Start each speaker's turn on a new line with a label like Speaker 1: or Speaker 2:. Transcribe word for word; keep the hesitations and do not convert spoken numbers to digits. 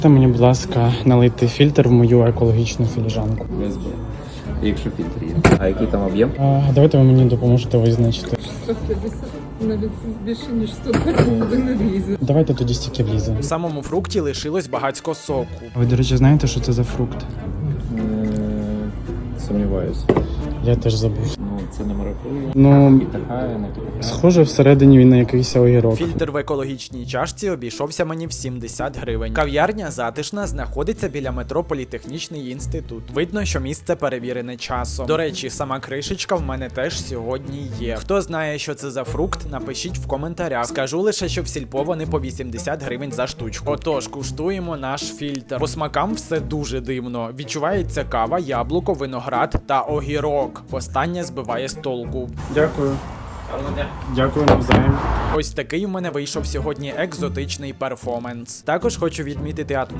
Speaker 1: Та мені, будь ласка, налити фільтр в мою екологічну філіжанку.
Speaker 2: Без б. Якщо фільтр є. А який там об'єм?
Speaker 1: А, давайте ви мені допоможете визначити.
Speaker 3: сто п'ятдесят, навіть більше ніж сто двадцять не влізе.
Speaker 1: Давайте тоді стільки влізе.
Speaker 4: У самому фрукті лишилось багатько соку.
Speaker 1: Ви, до речі, знаєте, що це за фрукт?
Speaker 2: М, Сумніваюся.
Speaker 1: Я теж забув.
Speaker 2: Ну, це не маракуйя.
Speaker 1: Ну,
Speaker 2: І така, не така.
Speaker 1: схоже, всередині він на якийсь огірок.
Speaker 4: Фільтр в екологічній чашці обійшовся мені в сімдесят гривень. Кав'ярня затишна, знаходиться біля метро Політехнічний інститут. Видно, що місце перевірене часом. До речі, сама кришечка в мене теж сьогодні є. Хто знає, що це за фрукт, напишіть в коментарях. Скажу лише, що в сільпо вони по вісімдесят гривень за штучку. Отож, куштуємо наш фільтр. По смакам все дуже дивно. Відчувається кава, яблуко, виноград та огірок. Останнє збиває з толку.
Speaker 1: Дякую. Дякую навзаєм.
Speaker 4: Ось такий у мене вийшов сьогодні екзотичний перформанс. Також хочу відмітити атмосферу.